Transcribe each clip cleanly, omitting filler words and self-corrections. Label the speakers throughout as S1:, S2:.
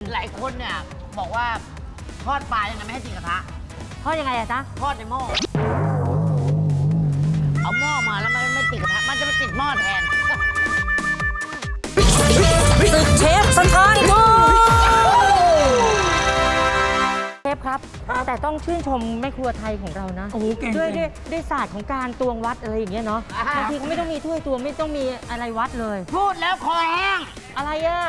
S1: หลายคนเนี่ยบอกว่าทอดปลายังไงไม่ให้ติดกระทะ
S2: ทอดยังไงอะจ๊ะ
S1: ทอดในหม้อเอาหม้อมาแล้วมันไม่ติดกระทะมันจะไปติดหม้อแทน
S2: ศึกเชฟสถานโลเชฟครับแต่ต้องชื่นชมแม่ครัวไทยของเรานะด้วยศาสตร์ของการตวงวัดอะไรอย่างเงี้ยเนาะบางทีเขาไม่ต้องมีถ้วยตวงไม่ต้องมีอะไรวัดเลย
S1: พูดแล้วคอแห้ง
S2: อะไรอะ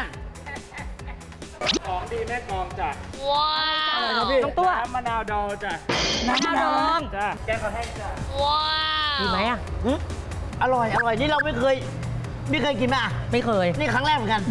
S3: ของดีแม่กองจ้ะ
S2: ว้าวต้องตัว
S3: น้ำมะนาวดองจ้ะ
S2: น้ำมะนาวดอง
S3: จ้ะแกงข้าวแห้งจ้ะ
S2: ว้าวดีไหมอะ
S1: อร่อยนี่เราไม่เคยกินไหม
S2: ไม่เคย
S1: นี่ครั้งแรกเหมือนกัน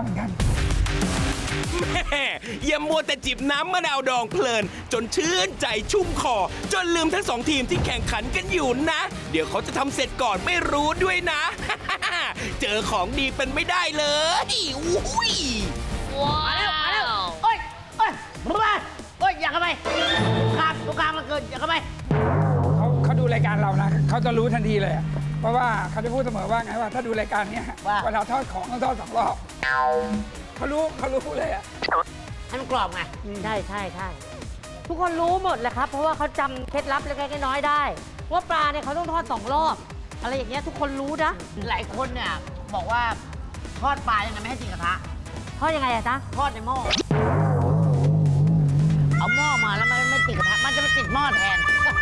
S4: แม่อย่ามัวแต่จิบน้ำมะนาวดองเพลินจนชื่นใจชุ่มคอจนลืมทั้งสองทีมที่แข่งขันกันอยู่นะเดี๋ยวเขาจะทำเสร็จก่อนไม่รู้ด้วยนะ เจอของดีเป็นไม่ได้เลยอุ้ย
S1: มาแล้วโอ้ยอยากเข้าไปครับตรงกลางมันเกินอยากเข้าไป
S3: เขาดูรายการเรานะเขาจะรู้ทันทีเลยเพราะว่าเขาจะพูดเสมอว่าไงว่าถ้าดูรายการนี้เวลาทอดของต้องทอด2 รอบเขารู้เลย
S1: ให้มันกรอบไง
S2: ใช่ทุกคนรู้หมดแหละครับเพราะว่าเขาจำเคล็ดลับเล็กๆน้อยๆได้ว่าปลาเนี่ยเขาต้องทอด2 รอบอะไรอย่างเงี้ยทุกคนรู้นะ
S1: หลายคนเนี่ยบอกว่าทอดปลายังไงไม่ให้ติดกระทะ
S2: ทอดยังไงอะจ๊ะ
S1: ทอดในหม้อเอาหม้อมาแล้วมันไม่ติดกระทะมันจะไปติดหม้อแทน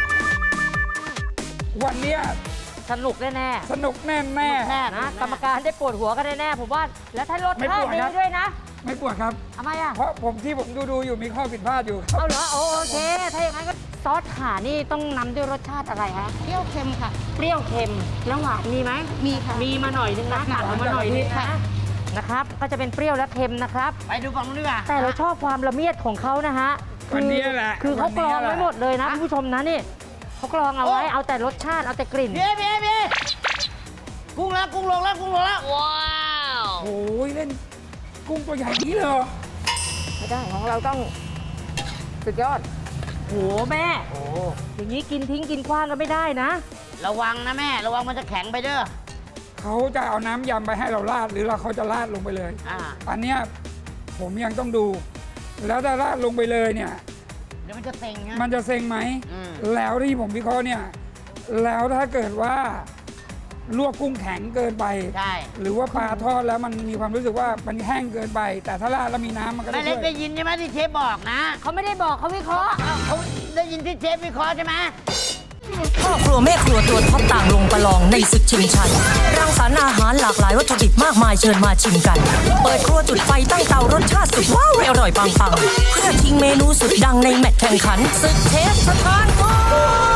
S3: วันนี้
S2: สนุกแน่
S3: สนุกแน่
S2: นะกรรมการได้ปวดหัวกันแน่ผมว่าแล้วถ้ารสชาติดีด้วยนะ
S3: ไม่ปวดครับ
S2: ทำไมอะ
S3: เพราะผมดูอยู่มีข้อผิดพลาดอยู่
S2: เอาเหรอโอเคถ้าอย่างนั้นก็ซอสข่านี่ต้องนำด้วยรสชาติอะไรฮะ
S5: เปรี้ยวเค็มค่ะ
S2: เปรี้ยวเค็มแล้วหวานมีไหม
S5: มีค่ะ
S2: มีมาหน่อยนึงนะเอามาหน่อยนึงนะครับก็จะเป็นเปรี้ยวและเค็มนะครับ
S1: ไปดูฝั่งนู้นดีกว่า
S2: แต่เราชอบความละเมียดของเขานะฮะ
S3: วันนี้แหละ
S2: คือเขากรองไว้หมดเลยนะคุณผู้ชมนะนี่เขากรองเอาไว้เอาแต่รสชาติเอาแต่กลิ่น
S1: พี่กุ้งลงแล้ว
S2: ว้าว
S3: โอ้ยเล่นกุ้งตัวใหญ่นี้เลย
S2: ไม่ได้ของเราต้องสุดยอดโหแม่อย่างนี้กินทิ้งกินคว้างก็ไม่ได้นะ
S1: ระวังนะแม่ระวังมันจะแข็งไปเด้อ
S3: เขาจะเอาน้ำยำไปให้เราราดหรือเขาจะราดลงไปเลยอันเนี้ยผมยังต้องดูแล้วถ้าราดลงไปเลยเนี่ย
S1: เดี๋ยวมันจะเซ็งนะ
S3: มันจะเซ็งไหมแล้วที่ผมวิเคราะห์เนี่ยแล้วถ้าเกิดว่าลวกกุ้งแข็งเกินไปหรือว่าปลาทอดแล้วมันมีความรู้สึกว่ามันแห้งเกินไปแต่ถ้าราดแล้วมีน้ำมันก็
S1: ไม่ได้ยินใช่ไหมที่เชฟบอกนะ
S2: เขาไม่ได้บอกเขาวิเคราะห์
S1: เขาได้ยินที่เชฟวิเคราะห์ใช่ไหม
S6: พ่อครัวแม่ครัวตัวท็อปต่างลงประลองในศึกชิงชัยรังสรรค์อาหารหลากหลายวัตถุดิบมากมายเชิญมาชิมกันเปิดครัวจุดไฟตั้งเตารสชาติสุดว้าวอร่อยปังๆเพื่อชิงเมนูสุดดังในแมตช์แข่งขันศึกเชฟสถานโลก